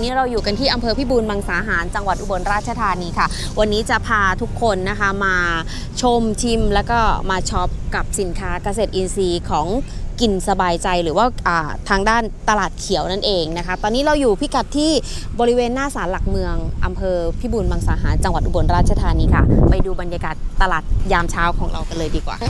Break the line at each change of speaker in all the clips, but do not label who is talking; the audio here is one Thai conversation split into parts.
นี้เราอยู่กันที่อำเภอพิบูลมังสาหารจังหวัดอุบลราชธานีค่ะวันนี้จะพาทุกคนนะคะมาชมชิมแล้วก็มาช็อปกับสินค้าเกษตรอินทรีย์ของกินสบายใจหรือว่าทางด้านตลาดเขียวนั่นเองนะคะตอนนี้เราอยู่พิกัดที่บริเวณหน้าศาลหลักเมืองอำเภอพิบูลมังสาหารจังหวัดอุบลราชธานีค่ะไปดูบรรยากาศตลาดยามเช้าของเรากันเลยดีกว่า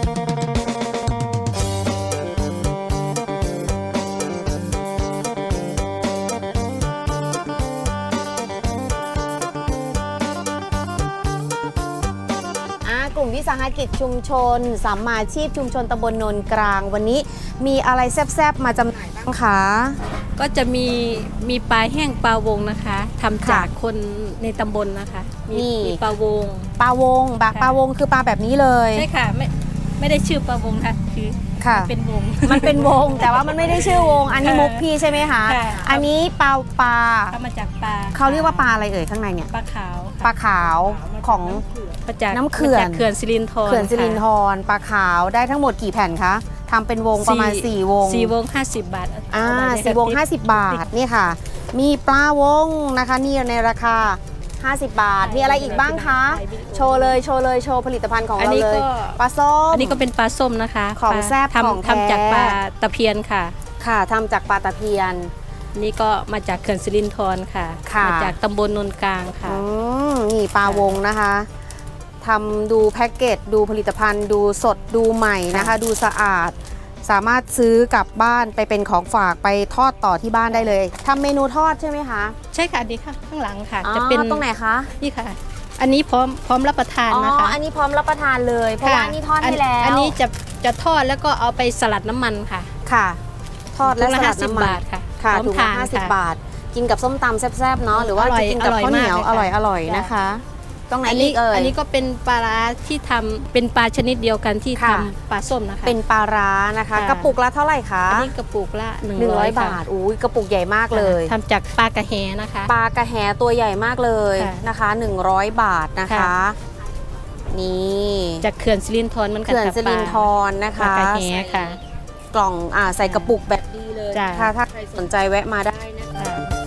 กลุ่มวิสาหกิจชุมชนสัมมาชีพชุมชนตำบลโนนกลางวันนี้มีอะไรแซ่บๆมาจำหน่ายบ้างคะ
ก็จะมีปลาแห้งปลาวงนะคะทำจากคนในตำบลนะคะมีปลาวง
ปลาวงคือปลาแบบนี้เลย
ใช่ค่ะไม่ได้ชื่อปลาวงค่ะคือเป็นวง
มันเป็นวงแต่ว่ามันไม่ได้ชื่อวงอันนี้มุกพี่ใช่ไหมคะอันนี้ปลา
ทำมาจากปลา
เขาเรียกว่าปลาอะไรเอ่ยข้างในเนี่ย
ปลาขาว
ของน้ำเขื่อน
สิรินธร
ปลาขาวได้ทั้งหมดกี่แผ่นคะทำเป็นวงประมาณ4 วง
4 วง50 บาท
4 วง50 บาทนี่ค่ะมีปลาวงนะคะนี่ในราคา50 บาทมีอะไรอีกบ้างคะโชว์ผลิตภัณฑ์ของเราเลยปลาส้ม
อันนี้ก็เป็นปลาส้มนะคะ
ของแซ่บของแท้
ทำจากปลาตะเพียนค่ะ
ทำจากปลาตะเพียน
นี่ก็มาจากเขื่อนสิรินธรค่ะมาจากตำบลนนกลางค่ะ
นี่ปลาวงนะคะทำดูแพ็กเกจดูผลิตภัณฑ์ดูสดดูใหม่นะคะดูสะอาดสามารถซื้อกลับบ้านไปเป็นของฝากไปทอดต่อที่บ้านได้เลยทำเมนูทอดใช่ไหมคะ
ใช่ค่ะดีค่ะข้างหลังค่ะ
จะเป็นตรงไหนคะ
นี่ค่ะอันนี้พร้อมรับประทานนะคะ
อันนี้พร้อมรับประทานเลยเพราะว่านี่ทอดให้แล้ว
อันนี้จะทอดแล้วก็เอาไปสลัดน้ำมันค่ะ
ทอดและสลัดน้ำมัน
ค่ะ
ถุงละ50 บาทกินกับส้มตำแซ่บๆเนาะหรือว่าจะกินกับข้าวเหนียวอร่อยนะคะตรงไหนอีกเอ่ย
อันนี้ก็เป็นปลาร้าที่ทำเป็นปลาชนิดเดียวกันที่ทำปลาส้มนะคะ
เป็นปลาร้านะคะกระปุกละเท่าไหร่คะ
อันนี้กระปุกละ
100 บาทอุ้ยกระปุกใหญ่มากเลย
ทำจากปลากระแหนะคะ
ปลากระแหตัวใหญ่มากเลยนะคะ100 บาทนะคะนี่
จากเขื่อนสิรินธรมัน
เขื่อนสิรินธรนะคะ
ปลากระแหค่ะ
กล่องใส่กระปุกแบบดีเลยถ้าใครสนใจแวะมาได้นะคะ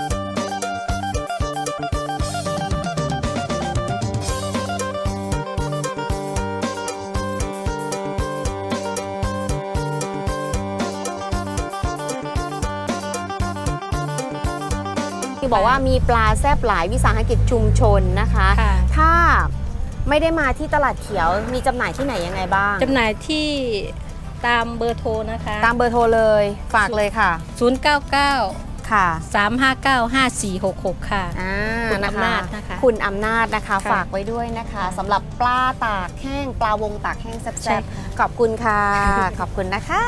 บอกว่ามีปลาแซ่บหลายวิสาหกิจชุมชนนะคะถ้าไม่ได้มาที่ตลาดเขียวมีจำหน่ายที่ไหนยังไงบ้าง
จำหน่ายที่ตามเบอร์โทรนะคะ
ตามเบอร์โทรเลยฝากเลยค่ะ
099ค่ะ3595466ค่ะคุณอำนาจนะคะ
คุณอำนาจนะคะฝากไว้ด้วยนะคะสำหรับปลาตากแห้งปลาวงตากแห้งแซ่บๆขอบคุณค่ะขอบคุณนะคะ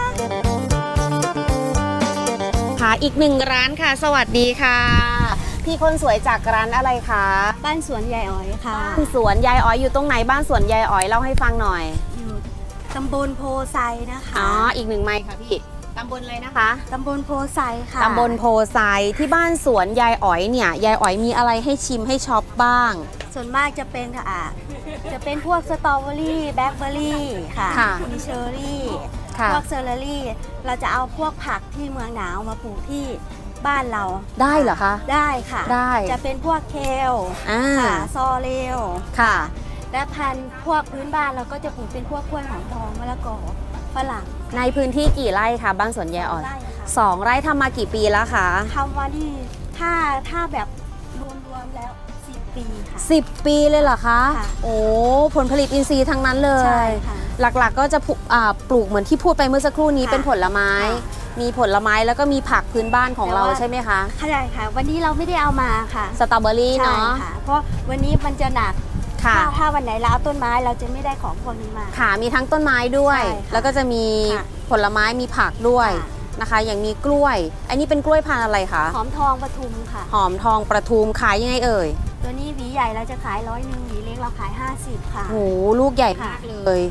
อีก1 ร้านค่ะสวัสดีค่ะพี่คนสวยจากร้านอะไรคะ
บ้านสวนยายอ๋อยค่ะ
บ้านสวนยายอ๋อยอยู่ตรงไหนบ้านสวนยายอ๋อยเล่าให้ฟังหน่อย
อยู่ตำบลโพไซนะคะ
อีก1 ไมค์ค่ะพี่ตำบลอะไรนะคะ
ตำบลโพไซค่ะ
ตำบลโพไซที่บ้านสวนยายอ๋อยเนี่ยยายอ๋อยมีอะไรให้ชิมให้ช็อปบ้าง
ส่วนมากจะเป็นจะเป็นพวกสตรอเบอรี่แบล็คเบอรี่ค่ะมีเชอร์รี่พวกเซอร์รี่เราจะเอาพวกผักที่เมืองหนาวมาปลูกที่บ้านเรา
ได้เหรอคะ
ได้ค่ะ
ได้
จะเป็นพวกเคลซอเลว
ค่ะ
และพันธุ์พวกพื้นบ้านเราก็จะปลูกเป็นพวกกล้วยหอมทองมะละกอฝรั่ง
ในพื้นที่กี่ไร่คะบ้านสวนยายอ๋อย2 ไร่ทำมากี่ปีแล้วคะ
ทำมาที่ถ้าแบบรวมแล้ว10 ปีค่ะ
10 ปีเลยเหรอคะโอ้ผลผลิตอินทรีย์ทั้งนั้นเลยหลักๆก็จะปลูกเหมือนที่พูดไปเมื่อสักครู่นี้เป็นผลไม้มีผลไม้แล้วก็มีผักพื้นบ้านของเราใช่ไหมคะ
ใช่ค่ะวันนี้เราไม่ได้เอามาค่ะ
สตรอเบอรี่เนาะ
เพราะวันนี้มันจะหนักถ้าวันไหนเราเอาต้นไม้เราจะไม่ได้ของพวกนี้มา
ค่ะมีทั้งต้นไม้ด้วยแล้วก็จะมีผลไม้มีผักด้วยนะคะอย่างมีกล้วยอันนี้เป็นกล้วยพันธุ์อะไรคะ
หอมทองปทุมค่ะ
หอมทองปทุมขายยังไงเอ่ย
ตัวนี้หวีใหญ่เราจะขาย100หวีเล็กเราขาย50ค่ะ
โหลูกใหญ่มากเลย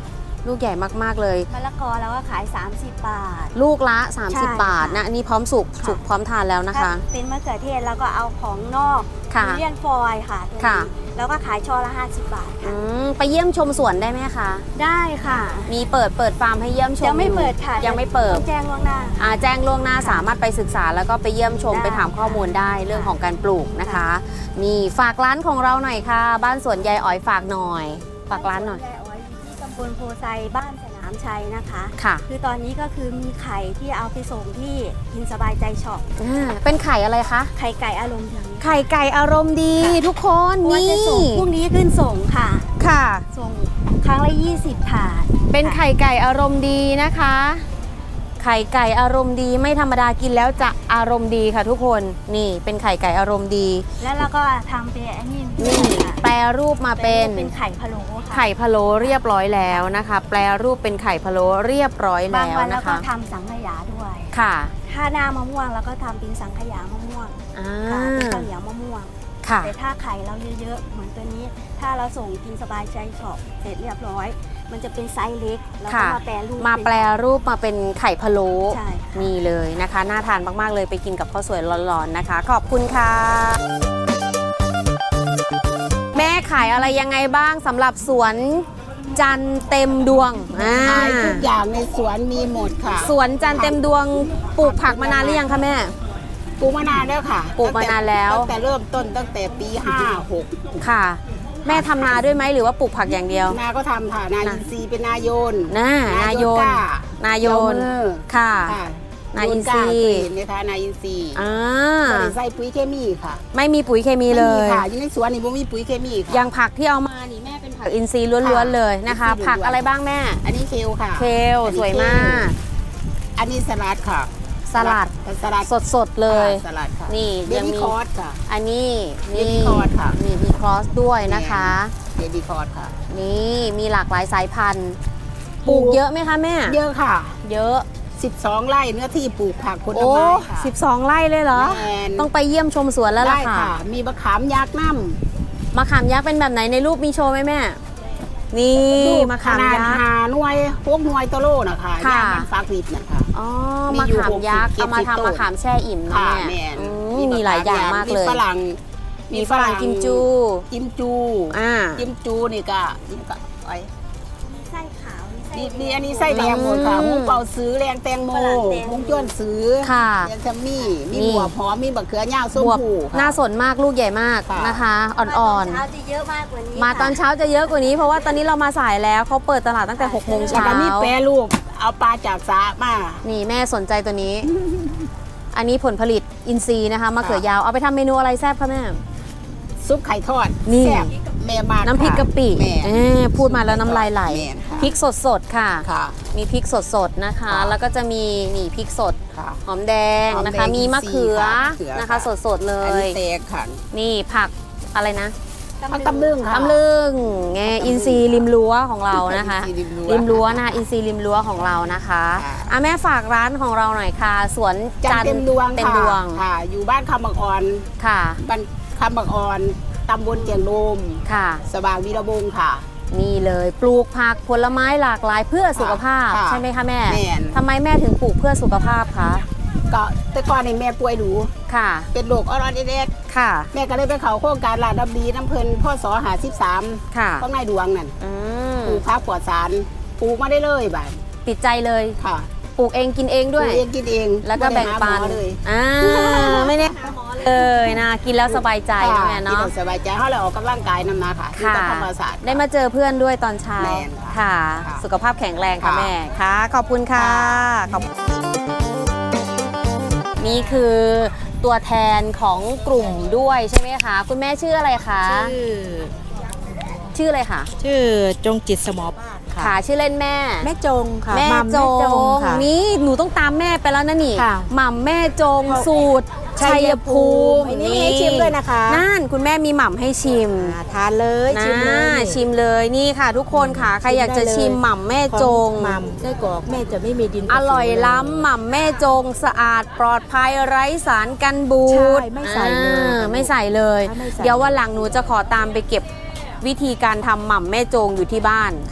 ลูกใหญ่มากๆเลย
มะละกอเราก็ขาย 30 บาท
ลูกละ
ใช่
30 บาท
ค่ะ
นะอันนี้พร้อมสุก
ค่ะ
สุกพร้อมทานแล้วนะคะ
ถ้าเป็นมะเขือเทศเราก็เอาของนอก
ค่ะ
ทุเรียนฟอยล์ค่ะตัว
ค่ะ
นี้แล้วก็ขายช่อละ 50 บาท
อื
ค่ะ
มไปเยี่ยมชมสวนได้ไหมคะ
ได้ค่ะ
มีเปิดฟาร์มให้เยี่ยมชม
ยังไม่
อยู่
เปิดค่ะ
ยังไม่เปิด
ต้องแจ้งล่วงหน้า
แจ้งล่วงหน้าสามารถไปศึกษาแล้วก็ไปเยี่ยมชม
ได้
ไปถามข้อมูลได้เรื่องของการปลูกนะคะ นี่ฝากร้านของเราหน่อยค่ะ บ้านสวนยายอ๋อยฝากหน่อย ฝากร้านหน่อย
บ้สวายอยู่ที่ตำบลโพไซบ้านสนามชัยนะคะ
ค่ะ
คือตอนนี้ก็คือมีไข่ที่เอาไปส่งที่กินสบายใจช็อป
เป็นไข่อะไรคะ
ไข่ไก่อารมณ์ดี
ไข่ไก่อารมณ์ดี
ค่ะ
ทุกคน
เพราะว่า
นี่
จะส่งพรุ่งนี้ขึ้นส่งค่ะ
ค่ะ
ส่งครั้งละ 20 ถาด
เป็นไข่ไก่อารมณ์ดีนะคะ ไข่ไก่อารมณ์ดีไม่ธรรมดากินแล้วจะอารมณ์ดีค่ะทุกคน นี่เป็นไข่ไก่อารมณ์ดี
แล้วเราก็ทำเป็นอันนี้
นี่
ค่ะ
แปรรูปมาเป็น
เป็นไข่พะโล้ค่ะ
ไข่พะโล้เรียบร้อยแล้วนะคะ แปรรูปเป็นไข่พะโล้เรียบร้อย
บาง
แล้ว
วันเรา
นะ
ก็
คะ
ทำสังขยาด้วย
ค่ะ
ถ้าหน้ามะม่วงเราก็ทำเป็นสังขยามะม่วง
อ่า
ค่ะเป็นข้าวเหนียวมะม่วง
ค่ะ
แต่ถ้าไข่เราเยอะๆเหมือนตัวนี้ ถ้าเราส่งกินสบายใจช็อปเสร็จเรียบร้อย มันจะเป็นไซส์เล็กแล้วก็
ค่ะ
มาแปรรูป
มาแปรรูปมาเป็นไข่พะโล้
ใช่ค่ะ
นี่เลยนะคะน่าทานมากๆเลยไปกินกับข้าวสวยร้อนๆนะคะ ขอบคุณค่ะ แม่ขายอะไรยังไงบ้างสำหรับสวนจันเต็มดวง
ขายทุกอย่างในสวนมีหมดค่ะ
สวนจันเต็มดวงปลูกผักมานานหรือยังคะแม่
ปลูกมานานแล้วค่ะ
ปลูกมานานแล้ว
ตั้งแต่เริ่มต้นตั้งแต่ปี 56
ค่ะ แม่ทำนาด้วยไหมหรือว่าปลูกผักอย่างเดียว
นาก็ทำค่ะ นาอินทรีย์เป็นนาโยน
นายน
กล้าน
ายน
เจ้ามือ
ค่ะ
ค่ะ
นาอินทรีย์
โยนกล้าเคยเห็นไหมคะนาอินทรีย์
อ่า
บริใส่ปุ๋ยเคมีค่ะ
ไม่มีปุ๋ยเคมีเลย
ไม่มีค่ะอยู่ในสวนนี่ไม่มีปุ๋ยเคมีค่ะ
อย่างผักที่เอามานี่แม่เป็นผักอินทรีย์ล้วนๆเลยนะคะ
อินทรีย์ล้วนๆ
ผักอะไรบ้างแม่
อันนี้เคลค่ะ
เคล
อันนี้
สวยมาก
อันนี้สลัดค่ะ
สลัด
สลัด
สดๆเลย
ค่ะสลัดค่ะ
นี่
เบ
ยัง
บี้
มี
คอร์สค่ะ
อันนี้
Baby corn ค่ะ
นี่มีครอสด้วยนะคะ
เบบี้คอร์สค่ะ
นี่มีหลากหลายสายพันธุ์ปลูกเยอะไหมคะแม่
เยอะค่ะ
เยอะ
12 ไร่เนื้อที่ปลูกผักผล
โอ้
ไม้ค่ะ
12 ไร่เลยเหรอ
แมน
ต้องไปเยี่ยมชมสวนแล้วล่ะ
ได้
ค่ะ
มีมะขามยักษ์น้
มะขามยักษ์เป็นแบบไหนในรูปมีโชว์ไหมแม่ นี่
ำลูก
มะ
ข
ขาม
นาด
ยักษ์
หาหน่วยพวกหน่วยตะโลนะคะ
ค่ะ
ย่างมันฟักนิดนะคะ
อ๋อ
มี
มะ
อยู่
ขามยักษ์
60
เอามา
70
ทำมะขามแช่อิ่มนะ
ค่ะ
แม่
แมน
อืมมีหลายอย่างมากเลย
มีฝรั่ง
มีฝรั่งกิมจู
กิมจู
อ่า
กิมจูนี่ก็ไอ้
มีไส้ขาวมีไส้
นี่อันนี้ไส้แดงหมดค่ะ
อืม
มุ้งเป่าซื้อแรงแตงโม
ฝรั่งแตงโม
มุ้งจ้วนซื้อ
ค่ะ
แรงแซมมี่มี
นี่
หัวหอมมีบะเขือย่าวส้ม
บวบ
ผูค่ะ
น่าสนมากลูกใหญ่มาก
ค่ะ
นะคะ อ่อน
มาตอนเช้าจะเยอะมากกว่านี้
ๆ มาตอน
ค่ะ
เช้าจะเยอะกว่านี้เพราะว่าตอนนี้เรามาสายแล้วเขาเปิดตลาดตั้งแต่6 โมง
แล้ว
เช้า
ก็มีแปรรูปเอาปลาจากสระมา
นี่แม่สนใจตัวนี้ อันนี้ผลผลิตอินทรีย์นะคะมะเขือยาวเอาไปทำเมนูอะไรแซ่บคะแม่
ซุปไข่ทอด
นี่
แซ่บแม่มาก
น้ำพริกกะปิ
แม่
พูดมาแล้วน้ำลายไหล
แม่ค่ะ
พริกสดๆค่ะ
ค่ะ
มีพริกสดๆนะคะ
ค่ะ
แล้วก็จะมีนี่พริกสด
ค่ะ
หอมแดง
หอมแดง
นะคะ มีมะเขือ
อินทรีย์ค่ะ
นะคะ
ค่ะ
สดๆเล
อัน
ย
นี้แตกค่ะ
นี่ผักอะไรนะ
ผักตำลึงค่ะ
ตำลึงไงอินทรีย์ริมรั้วของเรานะคะ
อินทรีย์ริมรั้ว
ริมรั้วนะคะอินทรีย์ริมรั้วของเรานะคะ
ค่ะ
อ่ะแม่ฝากร้านของเราหน่อยค่ะ สวน
จันเต็มดวง
เต็ม
ค่ะ
ดวง
ค่ะ อยู่บ้านคำบักอ่อน
ค่ะ
บ้านคำบักอ่อนตำบลเจียงโดม
ค่ะ
สว่างวีระวงศ์ค่ะ
นี่เลยปลูกผักผลไม้หลากหลายเพื่อสุขภาพ
ค่ะ
ใช่ไหมคะแม่
แม่น
ทำไมแม่ถึงปลูกเพื่อสุขภาพคะ
ก็แต่ก่อนนี่แม่ป่วยหนู
ค่ะ
เป็นโรคออรเดส
ค่ะ
แม่ก็เลยไปเข้าโครงการลาดดับดีน้ำเพลินพ่อสอหา13
ค่ะ
ของนายดวงนั่น
อืม
ปลูกผักปลอดสารปลูกมาได้เลยบ่าย
ติดใจเลย
ค่ะ
ปลูกเองกินเองด้วย
ปลูกเองกินเอง
แล้วก็แบ่งปัน
บ่ได้หาหมอเลย
ไม่ได้เลยนะกินแล้วสบายใจนะแม่
ที่
เนาะ
เราสบายใจเขาเลยออกกำลังกายนำนาค่ะที่
ค่ะ
ธรรมศาสตร์
ได้มาเจอเพื่อนด้วยตอนเช้า
แม่น
ค่ะ
ค่ะ
สุขภาพแข็งแรงค่ะ
ค่ะ
แม่ค่ะ ขอบคุณค่ะ
ค่ะ
ขอบนี่คือตัวแทนของกลุ่มด้วยใช่ไหมคะ คุณแม่ชื่ออะไรคะ ชื่ออะไรคะ
ชื่อจงจิตสมอบ้าน
ค่ะ ชื่อเล่นแม่
แม่จงค่ะ
แม่
มัม
จ
แม่
ง
ค่ะ
นี่หนูต้องตามแม่ไปแล้วนะนี่
ค่ะ
หม่ำแม่จงสูตรชัยภูมิ
อันนี้มีให้ชิมด้วยนะคะ
นั่นคุณแม่มีหม่ำให้ชิม
ทานเลยชิมเลย
ชิมเลยนี่ค่ะ ทุกคนค่ะใครอยากจะชิมหม่ำแม่จง
มัมไส้กรอกแม่จะไม่มีดิน
อร่อยล้ำหม่ำแม่จงสะอาดปลอดภัยไร้สารกันบูด
ใช่ไม่ใส่เลย
ไม่ใส่เลย
ไม่ใส่
เดี๋ยววันหลังหนูจะขอตามไปเก็บวิธีการทำหม่ำแม่จงอยู่ที่บ้าน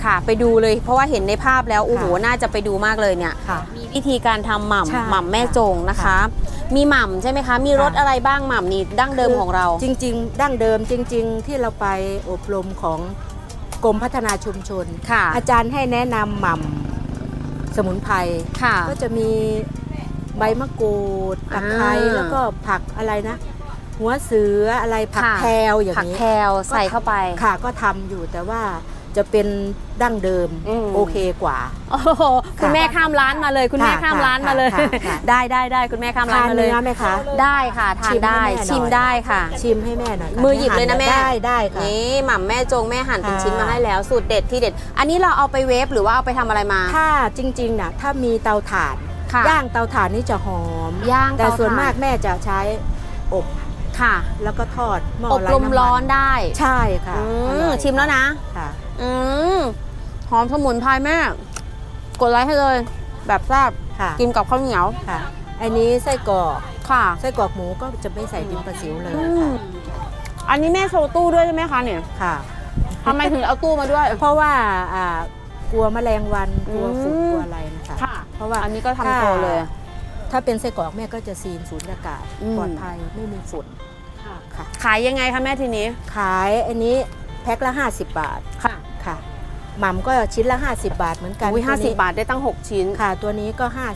ค่ะไปดูเลยเพราะว่าเห็นในภาพแล้วโอ้โหน่าจะไปดูมากเลยเนี่ย
ค่ะ
มีวิธีการทำห
ใช่
ม่ำแม่จงนะคะ
ค่ะ
มีหม่ำใช่ไหมคะ มีรส
ค่ะ
อะไรบ้างหม่ำนี่ดั้งเดิมของเรา
จริง ๆ ดั้งเดิมจริง ๆ ที่เราไปอบรมของกรมพัฒนาชุมชน
ค่ะ
อาจารย์ให้แนะนำหม่ำสมุนไพร
ค่ะ
ก็จะมีใบมะกรูดตะไคร้
อ่า
แล้วก็ผักอะไรนะ หัวเสืออะไรผัก
ค่ะ
แพรวอย่าง
ผัก
นี้
แพรวใส่เข้าไป
ค่ะก็ทำอยู่แต่ว่าจะเป็นดั้งเดิม
อืม
โอเคกว่า
โอ้โหคุณแม่ข้ามร้านมาเลย คุณแม่
ค่ะ
ข้ามร้านมาเลย
ค่ะ
ได้คุณแม่ข้ามร้า
ทาน น
มาเล
เนื้
ย
อไหมคะ
ได้ค่ะทาน
ชิมให้
ได้
แม่หน่อย
ชิมได้ค่ะ
ชิมให้แม่หน่อยค่ะ
มือหยิบเลยนะแม่
ได้ค่ะ
นี่หม่ำแม่จงแม่หั่นเป็น
ค่ะ
ชิ้นมาให้แล้วสูตรเด็ดที่เด็ด อันนี้เราเอาไปเวฟหรือว่าเอาไปทำอะไรมา
ถ้าจริงๆนะถ้ามีเตาถ่าน
ค่ะ
ย่างเตาถ่านนี่จะหอม
ย่าง
แต่
เตา
ส่วน
ถ่าน
มากแม่จะใช้อบ
ค่ะ
แล้วก็ทอดหม้อ
อบ
ไร้
ลม
น้ำมัน
ร้อนได้
ใช่ค่ะ
อื
อ
ม
ร่อย
ชิมแล้วนะ
ค่ะ
อืมหอมสมุนไพรแม่ กดไลค์ให้เลย แบบแซ่บ
ค่ะ
กินกับข้าวเหนียว
ค่ะ อันนี้ไส้กรอก
ค่ะ
ไส้กรอกหมูก็จะไม่ใส่ดินประสิวเลย
อืมอันนี้แม่โชว์ตู้ด้วยใช่ไหมคะเนี่ย
ค่ะ
ทำไมถึงเอาตู้มาด้วย
เพราะว่ากลัวแมลงวันกลัวฝุ่น
อืม
กลัวอะไรนะคะ
ค่ะ
เพราะว่า
อันนี้ก็ทำโชว์เลย
ถ้าเป็นไส้กรอกแม่ก็จะซีนสูญญากาศ
อืม
ปลอดภัยไม่มีฝุ่นค่ะ
ขายยังไงคะแม่ทีนี้
ขายอันนี้แพ็คละ 50 บาท
ค่ะ
ค่ะหม่ำก็ชิ้นละ 50 บาทเหมือนกัน
อุ้ย
ตัวนี้
50 บาทได้ตั้ง 6 ชิ้น
ค่ะ ตัวนี้ก็
ค่ะ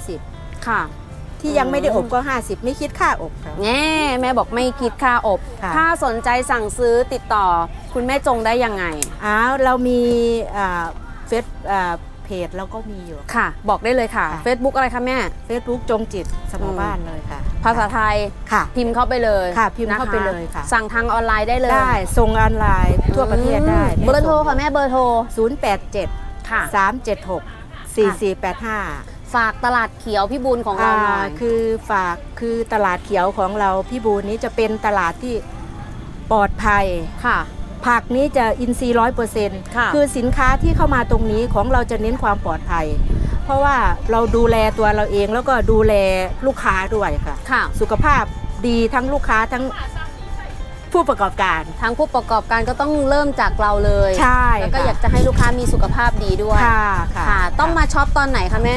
50 ที่ยังไม่ได้อบก็ 50 ไม่คิดค่าอบค่ะ
แง่แม่บอกไม่คิดค่าอบ
ค่ะ
ถ้าสนใจสั่งซื้อติดต่อ คุณแม่จงได้ยังไง
อ้าวเรามีเฟซเพจเราก็มีอยู่
ค่ะ บอกได้เลยค่ะ
ค่ะ
Facebook อะไรคะแม่
Facebook จงจิตสมอบ้านเลยค่ะ
ภาษาไทย
ค่ะ
พิมพ์เข้าไปเลย
ค่ะพิมพ์
นะคะ
เข้าไปเลยค่ะ
สั่งทางออนไลน์ได้เลย
ได้ส่งออนไลน์ทั่วประเทศได้
เบอร์โทรค่ะแม่เบอร์โทร
087
ค่ะ
376 4485
ฝากตลาดเขียวพี่บุญของเราหน่อย
คือตลาดเขียวของเราพี่บูนนี้จะเป็นตลาดที่ปลอดภัย
ค่ะ
ผักนี้จะอินทรีย์100%
ค่ะ
คือสินค้าที่เข้ามาตรงนี้ของเราจะเน้นความปลอดภัย เพราะว่าเราดูแลตัวเราเองแล้วก็ดูแลลูกค้าด้วยค่ะ
ค่ะ
สุขภาพดีทั้งลูกค้าทั้งผู้ประกอบการ
ทางผู้ประกอบการก็ต้องเริ่มจากเราเลย
ใช่
แล้วก็
ค่ะ
อยากจะให้ลูกค้ามีสุขภาพดีด้วย
ค่ะค่ะ
ค่ะ ต้องมาช็อปตอนไหนคะแม่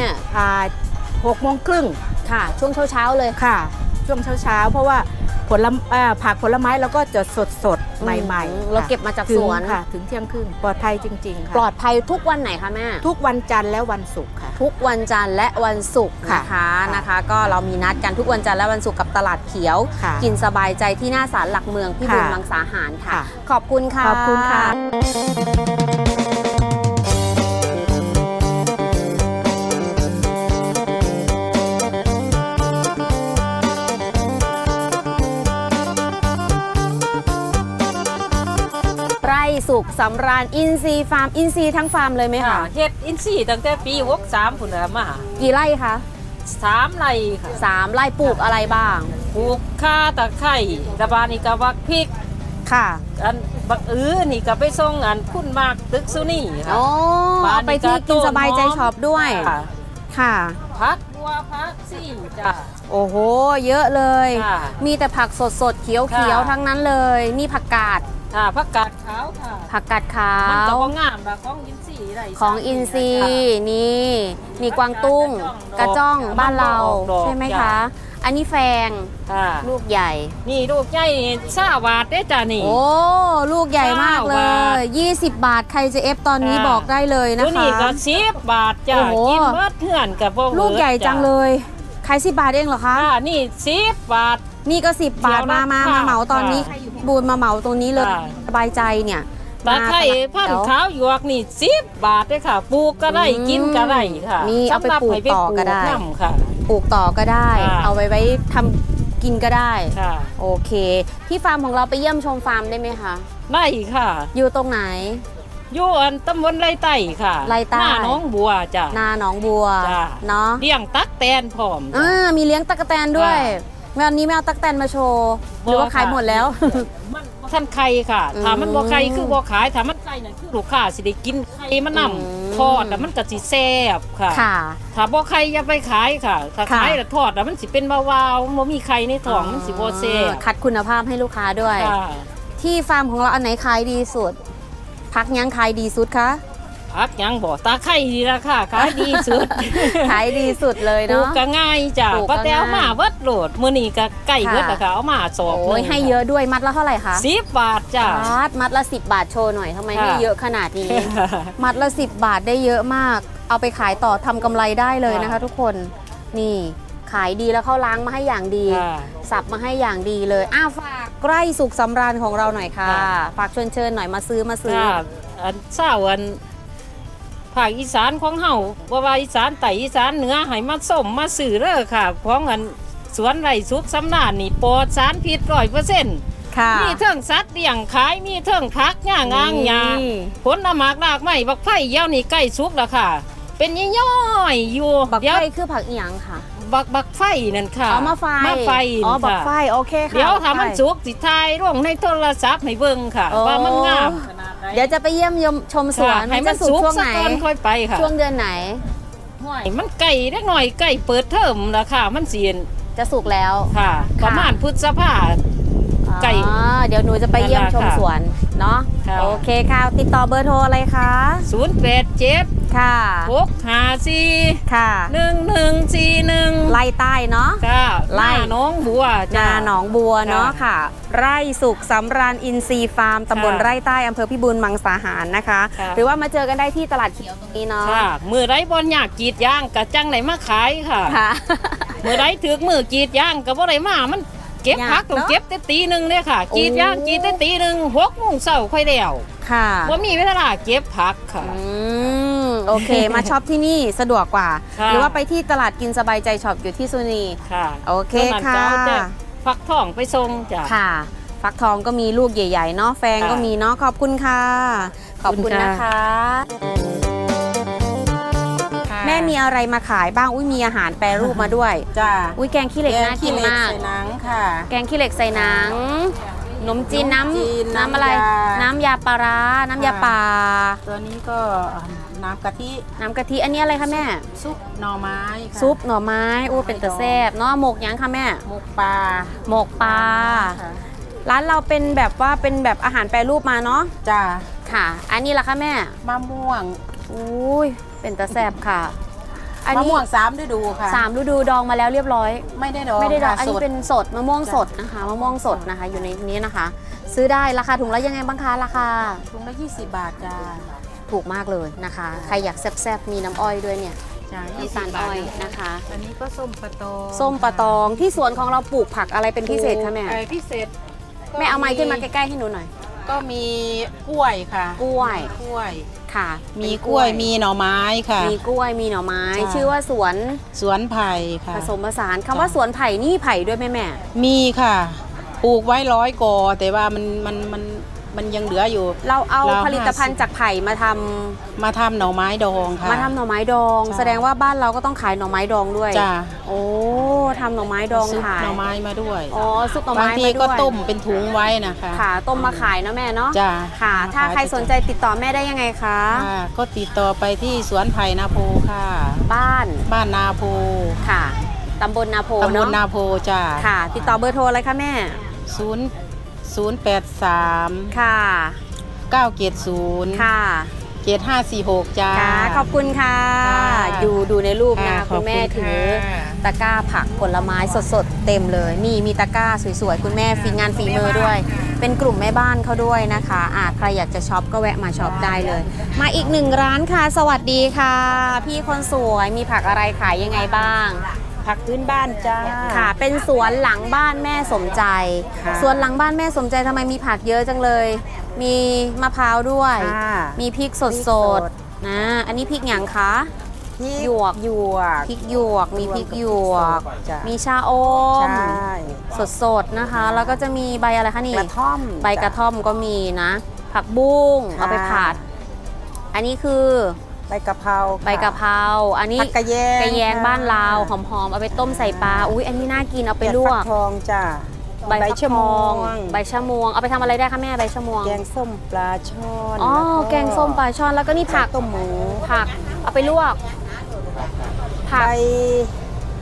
6:30
ค่ะ ช่วงเช้าๆเลย
ค่ะ ช่วงเช้าเพราะว่าผักผลไม้เราก็จะสดใหม่ๆ
เรา
ค่ะ
เก็บมาจาก
ถึ
ส
ง
วน
ค่ะ ถึงเที่ยงครึ่งปลอดภัยจริงๆค่ะ
ปลอดภัยทุกวันไหนคะแม่
ทุกวันจันทร์และวันศุกร์ค่ะ
ทุกวันจันทร์และวันศุกร์
ค่ะ
นะคะ
ค่ะ
นะคะ ก็เรามีนัดกันทุกวันจันทร์และวันศุกร์กับตลาดเขียว
ค่ะ
กินสบายใจที่หน้าศาลหลักเมืองพี่บุญ
ค่ะ
มังสาหารค่ะ
ค่ะ
ขอบคุณค่ะ
ขอบคุณค่ะ
ไร่สุขสำราญอินซีย์ฟาร์มอินซีย์ทั้งฟาร์มเลยไหม
ค่ะ
คะ
เฮ็ดอินทรีย์ตั้งแต่ปี63พุ่นน่ะมา
กี่ไร่คะ
3ไร่ค่ะ
3 ไร่ปลูกอะไรบ้าง
ปลูกข่าตะไคร้ตะบานนี่ก็บักพริก
ค่ะ
อันบักนี่ก็ไปส่งอันคุณมากตึกซุนี่ค่ะ
โอ้
บ้าน
เอาไปที่
นี่ก็
กินสบายใจ
ต้นหอม
ช็อปด้วย
ค่ะ
ค่ะ
ผักบัวผักซี่จ้ะ
โอ้โห เยอะเลย
ค่ะ
มีแต่ผักสดๆ เขียว
ค่ะ
ๆ ทั้งนั้นเลย นี่ผักกาด
ค่ะผักกาดขาวค่ะ
ผักกาดขา
มันก็
ว
บ่งามแบบของอินทรีย์ได้
ของอินซีย์ นี่กวางตุ้ง ก
ก
ระ
ระจ้
จ้อ
อง ง
บ้านเรา
มันก็ออกดอก
ใช่ไหม
จ้ะ
คะ อันนี้แฟง
ค่ะ
ลูกใหญ่
นี่ลูกใหญ่20บาทเด้จ้ะนี่
โอ้ ลูกใหญ่มากเล
9 บาท
ย 20 บาท ใครจะเอฟตอนนี้
ค่ะ
บอกได้เลยนะ
ตัว
คะ
นี้ก็10บาทจ้ะ
โอ้โห
กินเบิดเทื่อนก็บ่เบิด
ลูกใหญ่จัง
จ้ะ
เลย ขาย10 บาทเองเหรอคะ
ค่ะนี่10บาท
นี่ก็ 10 บาท
เดี๋ยวนะ
มา
ค่ะ
เหมาตอนนี้
ค่ะ
บูนมาเหมาตรงนี้เลย
ค่ะ
สบายใจเนี่ย
ตะไคร้พันธุ์ขาวหยวกนี่10บาทเด้อค่ะ ปลูกก็ได้กินก็ได้ค่ะ
นี่เอาไปปลูกต่อก็ได้
สำหรับให้ปลูนำค่ะ
ปลูกต่อก็ได้
ค่ะ
เอาไว้ทำกินก็ได้
ค่ะ
โอเค ที่ฟาร์มของเราไปเยี่ยมชมฟาร์มได้ไหมคะ
ได้ค่ะ
อยู่ตรงไหน
อยู่อันตำบลไรใต้ค่ะ
ไร่ใต้
หน้าหน้องบัวจ้ะ
นาหนองบัว
จ้ะ
เนาะ
เลี้ยงตักแตนพร้อมจ้ะ
มีเลี้ยงตั๊กแตนด้วย
ค่ะ
วันนี้แมวตั๊กแตนมาโชว์หรือว่าขายหมดแล้ว
มันบ่ท่านไข่ค่ะ ถ้ามันบ่ไข่คือบ่ขาย ถ้ามันไข่นั่นคือลูกค้าสิได้กินไข่มันนำทอดแล้วมันก็สิแซ่บค่ะ
ค่ะ
ถ้าบ่ไข่อย่าไปขายค่ะ ถ้า
ค่ะ
ขายแล้วทอดแล้วมันสิเป็นวาวๆบ่มีไข่ในท้องมันสิบ่แซ่บ
คัดคุณภาพให้ลูกค้าด้วย
ค่ะ
ที่ฟาร์มของเราอันไหนขายดีสุด พักยังขายดีสุดคะ
ผักหยังบ่ตาไข่ดีราคาขายดีสุด
ขายดีสุดเลย
ปลูก
เนาะ
ก็ง่ายจ้ะ
ปลูกก็
ป้าแตว
ง่าย
มาเบิดโหลดมื้อนี้ก็ใกล้เบิด
ค่ะ
แล้วค่ะเอามาสอบ
โอ้ยให้เยอะด้วยมัดละเท่าไหร่คะ
10 บาทจ้ะ
มัดละ10 บาทโชว์หน่อยทำไม
ค่ะ
ให้เยอะขนาดนี้ มัดละ10 บาทได้เยอะมาก เอาไปขายต่อทำกำไรได้เลยนะคะ ทุกคนนี่ขายดีแล้วเขาล้างมาให้อย่างดี
ค่ะ
สับมาให้อย่างดีเลยฝากใกล้สุขสำราญของเราหน่อยค่ะ
ค่ะ
ฝากเชิญหน่อยมาซื้อ
จ้ะอันเช้าอันภาคอีสานของเฮาบ่ว่าอีสานใต้อีสานเหนือให้มาส้มมาซื้อเด้อค่ะของอันสวนไร่สุขสำราญนี่ปลอดสารพิษ100%
ค่ะ
มีเทิงสัตว์เลี้ยงขายมีเทิงผักหญ้างางหญ้า
นี่
ผลหมากรากไม้บักไผ่เดี๋ยวนี้ใกล้สุกแล้วค่ะ เป็นย่อยๆอยู่
บัก
เดี๋ยว
ไฟคือผักอีหยังค่ะ
บักไฟนั่นค่ะ
อ๋อมาไฟ
ไฟ
อ๋อบัก
ค่ะ
ไฟโอเคค่ะ
เดี๋ยว
บักไฟ
ถ้ามันสุกสิทายลงในโทรศัพท์ให้เบิ่งค่ะ
โอ้
ว่ามันงามขนาดไหน
เดี๋ยวจะไปเยี่ยมชมสวน
ค่ะให้มัน
จะ
สุก
ช่วง
สัก
ไหน
ก่อนค่อยไปค่ะ
ช่วงเดือนไหน
ห้วยมันใกล้เล็กหน่อยใกล้เปิดเทอมแล้วค่ะ มันเสียน
จะสุกแล้ว
ค่ะ
ค่ะ
ประมาณพฤษภา ไก่
อ๋อเดี๋ยวหนูจะไปเยี่ยมชม
นั่นแหละค่ะ
สวนเนาะ
ค่ะ
โอเคค่ะติดต่อเบอร์โทรอะไรคะ
087
ค่ะ
654
ค่ะ
1141
ไล่ใต้เนาะ
ค่ะ
ไล่
หน้าน้องบัว
นา
จ้า
หนองบัวเนาะ
ค่ะ
ค่ะ ไร่สุขสำราญอินทรีย์ฟาร์มตำบล
ค่ะ
ไร่ใต้อำเภอพิบูลมังสาหารนะคะ
ค่ะ
หรือว่ามาเจอกันได้ที่ตลาดเขียวตรงนี้เนาะ
ค่ะมือไรบอลอยากกรีดยางกะจังไหนมาขายค่ะ
ค่ะ
มือไรถือมือกรีดยางกะบ่ไรมามันเก็บ
ยาก
พักต้อง
เนอะ
เก็บแต่ตีหนึ่งเลยค่ะกรีดยางกรีดแต่ตีหนึ่ง6 โมงเช้าค่อยแล้ว
ค่ะ
ว่ามีเวลาเก็บพักค่ะ
โอเค มาช็อปที่นี่สะดวกกว่า
ค่ะ
หรือว่าไปที่ตลาดกินสบายใจช็อปอยู่ที่สุนี
ค่ะ
โอเค
ส่วนนั้น
ค่ะ
เจ้าจะฟักทองไปส่งจ้ะ
ค่ะ ฟักทองก็มีลูกใหญ่ๆเนาะแฟง
ค่ะ
ก็มีเนาะขอบคุณค่ะ ขอบคุณ
ขอบคุณค่ะ
นะคะ แม่มีอะไรมาขายบ้างอุ้ยมีอาหารแปรรูปมาด้วย
จ้า
อุ้ยแกงขี้เหล็กน่ากินมาก
ใส่หนังค่ะ
แกงขี้เหล็กใส่หนังขนมจีน
ขนมจีน
น้ำอะไร
น้ำยา
น้ำยาปลาร้าน้ำยาป่า
ตัวนี้ก็น้ำกะทิ
น้ำกะทิอันนี้อะไรคะแม่
ซุปหน่อไม้ค่ะ
ซุปหน่อไม้โอ้เป็นตะแซ่บเนาะหมกหยังคะแม่
หมกปลา
หมกปลา
ค่ะ
ร้านเราเป็นแบบว่าเป็นแบบอาหารแปรรูปมาเนาะ
จ้า
ค่ะ อันนี้ล่ะคะแม่
มะม่วง
อุ้ยเป็นตะแซ่บค่ะ อัน
มะ
นี้
ม่วง3ฤดูค่ะ
3 ฤดูดองมาแล้วเรียบร้อย
ไม่ได้ดอง
ไม่ได้ดอง
ค่ะ
อันนี้
สด
เป็นสดมะม่วงสดนะคะมะม่วงสดนะคะ อยู่ในนี้นะคะ ซื้อได้ราคาถุงละยังไงบ้างคะราคา
ถุงละ20 บาทจ้า
ถูกมากเลยนะคะ ใครอยากแซ่บๆมีน้ำอ้อยด้วยเนี่ย
จ้า
น้ำตาลอ้อยนะคะ
อันนี้ก็ส้มปลาตอง
ส้มปลาตองที่สวนของเราปลูกผักอะไรเป็นพิเศษคะแม่
พิเศษ
แม่เอาไม้ขึ้นมาใกล้ๆให้หนูหน่อย
ก็มีกล้วยค่ะ
กล้วย
กล้วย
ค่ะ
มี
เป็น
กล้วยมีหน่อไม้ค่ะ
มีกล้วยมีหน่อไม้
จ้ะ
ชื่อว่าสวน
สวนไผ่ค่ะ
ผสมผสานคำว่าสวนไผ่นี่ไผ่ด้วยแม่แม่
มีค่ะ ปลูกไว้100 กอแต่ว่ามันยังเหลืออยู่
เราเอา
เรา
ผลิตภัณฑ์จากไผ่มาทำ
มาทำหน่อไม้ดองค่ะ
มาทำหน่อไม้ดอง
จ้ะ
แสดงว่าบ้านเราก็ต้องขายหน่อไม้ดองด้วย
จ้า
โอ้ทำหน่อไม้ดอง
ซุป
ขาย
หน่อไม้มาด้วย
อ๋อซุปหน่อบ
าง
ไม้
ที
มาด้วย
ก็ต้มเป็นถุงไว้นะคะ
ค่ะต้มมาขายเนาะแม่เนาะ
จ้า
ค่ะ ถ้าใครสนใจติดต่อแม่ได้ยังไงคะ
ค่ะก็ติดต่อไปที่สวนไผ่นาโพค่ะ
บ้าน
บ้านนาโพ
ค่ะตำบลนาโพ
ตำบล
เนาะ
นาโพจ้า
ค่ะ ติดต่อเบอร์โทรอะไรคะแม่
083
ค่ะ
970
ค่ะ
7546จ้า
ค่ะขอบคุณค่ะ
ค่ะ
ดูในรูปนะ
ค่ะ
คุณแม่
ขอบคุณ
ถือ
ค่ะ
ตะกร้าผักผลไม้สดๆเต็มเลย นี่มีตะกร้าสวยๆคุณแม่ฝีงานฝีมือด้วย เป็นกลุ่มแม่บ้านเขาด้วยนะคะใครอยากจะช็อปก็แวะมาช็อปได้เลย มาอีกหนึ่งร้านค่ะ สวัสดีค่ะ พี่คนสวยมีผักอะไรขายยังไงบ้าง
ผักพื้นบ้านจ้า
ค่ะ เป็นสวนหลังบ้านแม่สมใจ
ค่ะ
สวนหลังบ้านแม่สมใจทำไมมีผักเยอะจังเลย มีมะพร้าวด้วย
ค่ะ
มีพริกส
พริกส
ด
ด
ๆนะอันนี้พริกหยังคะ
พริก
หยวก
หยวก
พริกหยวก มีพริกหยวก
จ้ะ
มีชาอม
ใช่
สดๆนะคะ แล้วก็จะมีใบอะไรคะนี่
กระท่อม
ใบกระท่อมก็มีนะ ผักบุ้ง
ค่ะ
เอาไปผัด อันนี้คือ
ใบกะเพรา
ใบกะเพราอันนี้
ผักกระแยง
กระแยง
ค่ะ
บ้านเราหอมๆเอาไปต้มใส่ปลาอุ้ยอันนี้น่ากินเอาไปลว
เห็ดฟั
ก
ทองจ้า
ใบฟัก
ชะ
ท
ม
อ
ว
ง
ง
ใบชะมวงเอาไปทำอะไรได้คะแม่ใบชะมวง
แกงส้มปลาช่อน
อ๋อ
ล้ว
แกงส้มปลาช่อนแล้วก็นี่ผัก
ต้มหมู
ผักเอาไปลวกผั
ใบ
ก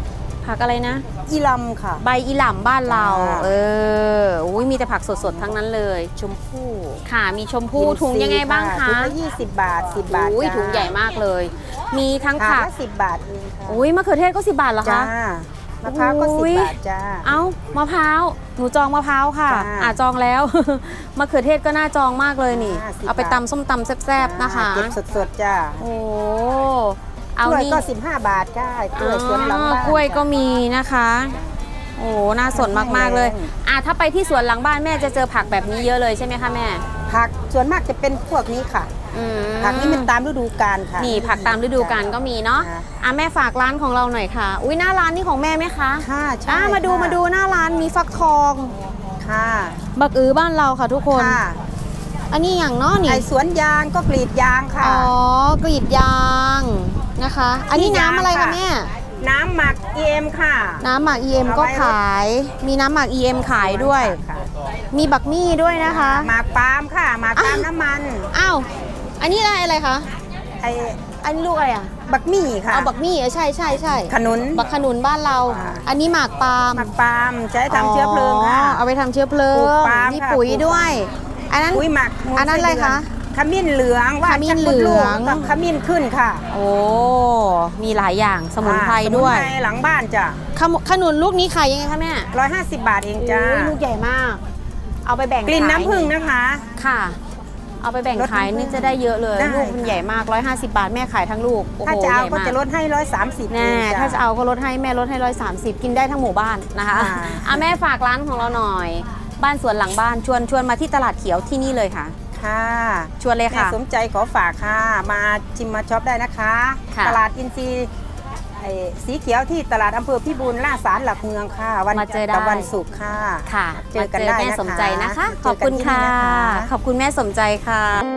ผักอะไรนะ
อีลำค่ะ
ใบอีหล่ำบ้านเรา
ค่ะ
อุ้ยมีแต่ผักสดๆทั้งนั้นเลย
ชมพู่
ค่ะมีชมพู่ถุงยังไงบ้างคะ
ถุงละ20 บาท 10 บาท
อุ้ย
จ้า
ถุงใหญ่มากเลย มีทั้ง
ถาด
ผัก
ละ10 บาทเองค่ะ
อุ้ยมะเขือเทศก็10 บาทเหรอ
จ้า
คะ
มะพร้าวก็
อุ๊ย
10 บาทจ้า
เอ้ามะพร้าวหนูจองมะพร้าวค่ะ
จ้า
จองแล้ว มะเขือเทศก็น่าจองมากเลยนี่
10
เอาไป
บาท
ตำส้มตำแซ่บๆนะคะ
เก็บสดๆจ้า
โอ้เอา
กล้วย
นี่
ก็15 บาทจ้ากล้วยสวนหลังบ้าน
กล้วยก็มีนะคะ โอ้น่าสนมากๆเลย ถ้าไปที่สวนหลังบ้านแม่จะเจอผักแบบนี้เยอะเลยใช่ไหมคะแม่
ผักส่วนมากจะเป็นพวกนี้ค่ะ
อืม
ผักนี่มันตามฤดูกาลค่ะ
นี่ผักตามฤดูกาลก็มีเนาะ
ค่ะ
แม่ฝากร้านของเราหน่อยค่ะ อุ้ยหน้าร้านนี่ของแม่ไหมคะ
ค่ะใช่
มาดู
ค่ะ
มาดูหน้าร้านมีฟักทอง
ค่ะ
บักอือบ้านเราค่ะทุกคน
ค่ะ
อันนี้อย่างเนาะนี่
ไอสวนยางก็กรีดยางค่ะ
อ๋อกรีดยางนะคะ อันนี้น้ำอะไรคะแม่
น้ำหมักเอ็มค่ะ
น้ำหมัก EM ก็ขาย มีน้ำหมัก EM ขายด้วย
ค่ะ
มีบักมี่ด้วยนะคะ
หมากปาล์มค่ะหมากปาล์มน้ำมัน
อ้าว อันนี้อะไรคะ
ไอ
อันนี้ลูกอะไรอ่ะ
บักมี่ค่ะ
เอาบักมี่ใช่ใช่ใช่
ขนุน
บักขนุนบ้านเรา
อ่า
อันนี้หมากปาล์ม
หมากปาล์มใช้ทำเชื้อเพลิงค่ะ
เอาไปทำเชื้อเพลิ
ปลู
ง
กปาล์ม
มี
ค่ะ
ปุ๋ย
ปลูก
ด้วย อันนั้น
อุ้ยหมักมูล
อันนั้นอะไรคะ
ขมิ้นเหลืองว่า
ขมิ้นเหลือง
กับขมิ้นขึ้นค่ะ
โอ้ มีหลายอย่างสมุนไพรด้วย
สมุนไพรหลังบ้านจ้ะ
ขนุนลูกนี้ขายยังไงคะแม่
150 บาทเองจ้า
โอ้ยลูกใหญ่มาก เอาไปแบ่ง
กลิ่น
ขาย
น้ำผึ้งนะคะ
ค่ะ เอาไปแบ่งขายนี่จะได้เยอะเลย
ได้
ลูกมันใหญ่มาก 150 บาทแม่ขายทั้งลูก โอ้โห
ถ้าจะเอา
ใหญ่
ก็
มาก
จะลดให้130
แน่
เอง
ถ้าจะเอาก็ลดให้แม่ลดให้130 กินได้ทั้งหมู่บ้านนะคะ
ค่ะ
แม่ฝากร้านของเราหน่อย บ้านสวนหลังบ้านชวนมาที่ตลาดเขียวที่นี่เลยค่ะ
ค่ะ
ชวนเลย
แม่
ค่ะ
สมใจขอฝากค่ะ มาชิมมาช็อปได้นะคะ
ค่ะ
ตลาดอินทรีย์สีเขียวที่ตลาดอำเภอพิบูลล่าสารหลักเมืองค่ะ วัน
มาเจอได้
กับวันศุกร์ค่ะ
ค่ะ
เจอกันได้
แม่
นะคะ
สมใจนะคะ
เจ
ขอบคุณ
กันที่
ค่ะ
นี่น
ขอบคุณแม่สมใจค่ะ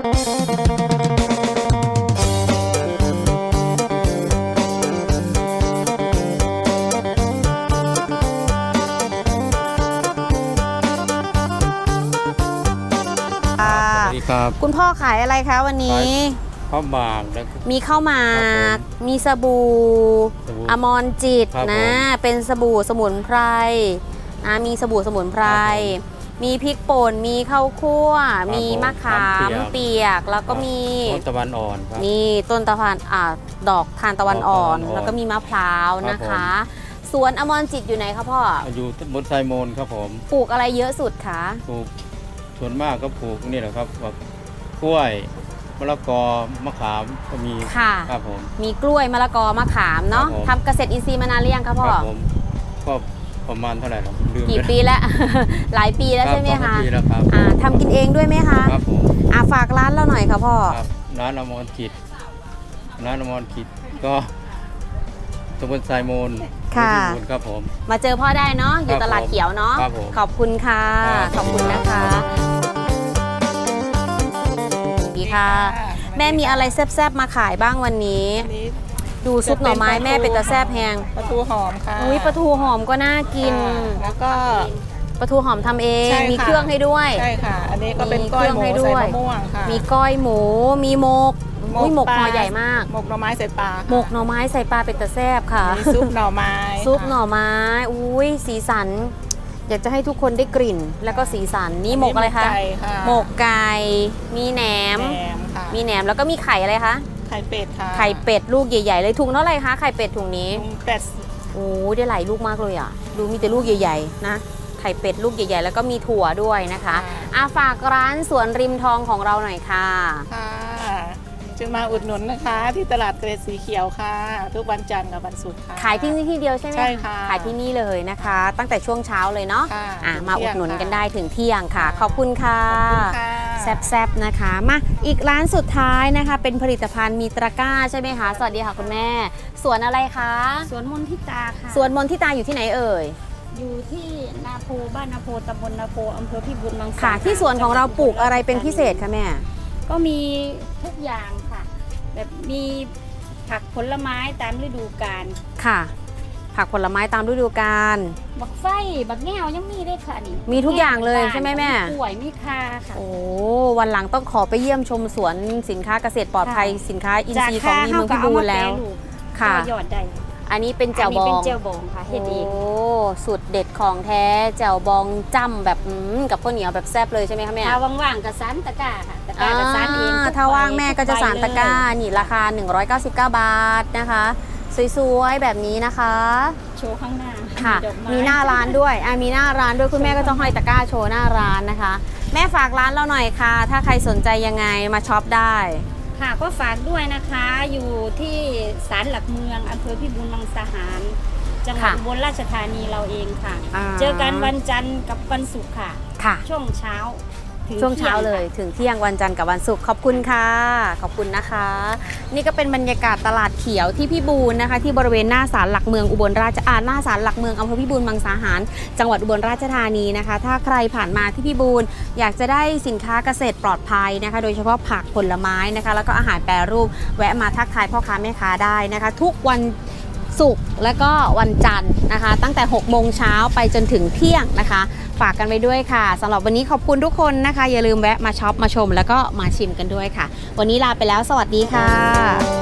สวัสดีครับ
คุณพ่อขายอะไรคะวันนี้
ข้าวหมากแล้วก็
มีข้าวหมาก
ครับ
มีสบู่
สบู่
อมรจิต
ครับ
นะ
ผม
เป็นสบู่สมุนไพรนะมีสบู่สมุนไพร
ครับผม
มีพริกป่น มีข้าวคั่ว
ครับ
มีมะขาม
ผม
เปียก แล้วก็มี
ต้นตะวันอ่อนครับ
นี่ต้นตะวันดอกทานตะวันอ่อน
ดอกทานตะวันอ่อน
แล้วก็มีมะพร้าว
ครับ
นะคะ
ผม
สวนอมรจิตอยู่ไหนคะพ่อ
อยู่บนไซโมนครับผม
ปลูกอะไรเยอะสุดคะ
ปลูกส่วนมากก็ปลูกนี่แหละครับแบบกล้วยมะละกอมะขามก็มี
ค่ะ
ครับผม
มีกล้วยมะละกอมะขามเนาะ
ครับผม
ทำเกษตรอินทรีย์มานานหรือยังคะพ่อ
ครับผมก็ประมาณเท่าไหร่หรอลืม
กี่
ไป
ปีแล้ว หลายปีแล้วใช่ไหม
ครั
คะ
บ2 ปีแล้วครับ
ทำกินเองด้วยไหมคะ
ครับผม
ฝากร้านเราหน่อยค่ะพ่อ
ครับร้านอมรกิจร้านอมรกิจก็ตำบลไซโมน
ค่ะ
พิบูลครับผม
มาเจอพ่อได้เนาะอยู่ตลาดเขียวเนาะ
ครับผม
ขอบคุณค่ะ
ครับ
ขอบคุณนะคะดีค่ะ แม่มีอะไรแซ่บๆมาขายบ้างวันนี้ ดูซุปหน่อไม้แม่เป็นตาแซ่บแฮง
ปลาทูหอมค่ะ
อุ้ยปลาทูหอมก็น่ากิน
ค่ะแล้วก็
ปลาทูหอมทำเอง
ใช่ค่ะ
มีเครื่องให้ด้วย
ใช่ค่ะ อันนี้ก็เป็น
มี
ก้อยหมู
เครื่องให้ด้
ใส่
วย
มะม่วงค่ะ
มีก้อยหมู มีหมกอุ้ยหมก
ปลา
ห่อใหญ่มาก
หมกหน่อไม้ใส่ปลาค่ะ
หมกหน่อไม้ใส่ปลาเป็นตาแซ่บค่ะ
มีซุปหน่อไม้
ซุปหน่อ
ค่ะ
ไม้ อุ้ยสีสัน อยากจะให้ทุกคนได้กลิ่น แล้วก็สีสัน นี่หมกอะไรคะ
ไก่ค่ะ
หมกไก่ มีแหนม
แหนมค่ะ
มีแหนมแล้วก็มีไข่อะไรคะ
ไข่เป็ดค่ะ
ไข่เป็ดลูกใหญ่ๆเลยถุงเท่าไหร่คะ ไข่เป็ดถุงนี้
ถุงเป็ด
โอ้ยได้หลายลูกมากเลยอ่ะ ดูมีแต่ลูกใหญ่ๆนะ ไข่เป็ดลูกใหญ่ๆ แล้วก็มีถั่วด้วยนะคะฝากร้านสวนริมทองของเราหน่อยค่ะ
ค่ะจึงมาอุดหนุนนะคะ ที่ตลาดเกรดสีเขียวค่ะ ทุกวันจันทร์กับวันศุกร์ค่ะ
ขายที่นี่ที่เดียวใช่ไหม
ใช่ค่ะ
ขายที่นี่เลยนะคะ ตั้งแต่ช่วงเช้าเลยเนาะ
ค่ะ
มาอุดหนุนกันได้ถึงเที่ยงค่ะ ขอบคุณค่ะ
ขอบคุณค่ะ
แซบๆนะคะ มาอีกร้านสุดท้ายนะคะ เป็นผลิตภัณฑ์มีตะกร้าใช่ไหมคะ สวัสดีค่ะคุณแม่ สวนอะไรคะ
สวนมนทิตาค่ะ
สวนมนทิตาอยู่ที่ไหนเอ่ย
อยู่ที่นาโพบ้านนาโพตำบลนาโพอำเภอพิบูลมังสา
ค่ะ ที่สวนของเราปลูกอะไรเป็นพิเศษคะแม่
ก็มีทุกอย่างค่ะ แบบมีผักผลไม้ตามฤดูกาล
ค่ะ ผักผลไม้ตามฤดูกาล
บักไฟบักแง่วยังมีได้ค่ะนี่
มีทุกอย่างเลยใช่ไหมแม่
กล้วยมีคาค่ะ
โอ้วันหลังต้องขอไปเยี่ยมชมสวนสินค้าเกษตรปลอดภัย
ค่ะ
สินค้าอินทรีย์ของดีเมืองพิบูลแล้ว
ค่ะ
ค่ะ
ยอดได้
อันนี้เป็นแจ่วบ
อัน
อ
นี้
ง
เป็นเจลบองค่ะเฮ็ดเอง
โอ้สุดเด็ดของแท้แจ่วบองจ้ำแบบกับข้าวเหนียวแบบแซ่บเลยใช่ไหมคะแม่
ถ้าว่างๆก็สานตะกร้าค่ะตะกร้าก็สานเองทุก
ถ้าว่างแม่ก็จะสานตะกร้า
ทุใบเลย
นี่ราคา 199 บาทนะคะ สวยๆแบบนี้นะคะ
โชว์ข้างหน้า
ค่ะ
ดอกไ
มีหน้าร้านด้วยมีหน้าร้านด้วยคุณแม่ก็จะห้อยตะกร้าโชว์หน้าร้านนะคะ แม่ฝากร้านเราหน่อยค่ะ ถ้าใครสนใจยังไงมาช็อปได้
ค่ะก็ฝากด้วยนะคะ อยู่ที่ศาลหลักเมืองอำเภอพิบูลมังสาหาร จังหวัด
ค่ะ
อุบลราชธานีเราเองค่ะ
อ่า
เจอกันวันจันทร์กับวันศุกร์ค่ะ
ค่ะ
ช่วงเช้าถึง
ช่วงเช้า
ที่ย
เลยถึงเที่ยงวันจันทร์กับวันศุกร์ขอบคุณค่ะขอบคุณนะคะ นี่ก็เป็นบรรยากาศตลาดเขียวที่พิบูลนะคะ ที่บริเวณหน้าศาลหลักเมืองอุบลราชหน้าศาลหลักเมืองอำเภอพิบูลมังสาหาร จังหวัดอุบลราชธานีนะคะ ถ้าใครผ่านมาที่พิบูลอยากจะได้สินค้าเกษตรปลอดภัยนะคะ โดยเฉพาะผักผลไม้นะคะ แล้วก็อาหารแปรรูปแวะมาทักทายพ่อค้าแม่ค้าได้นะคะ ทุกวันศุกร์และก็วันจันทร์นะคะ ตั้งแต่6โมงเช้าไปจนถึงเที่ยงนะคะ ฝากกันไว้ด้วยค่ะสำหรับวันนี้ขอบคุณทุกคนนะคะ อย่าลืมแวะมาช็อปมาชมแล้วก็มาชิมกันด้วยค่ะ วันนี้ลาไปแล้วสวัสดีค่ะ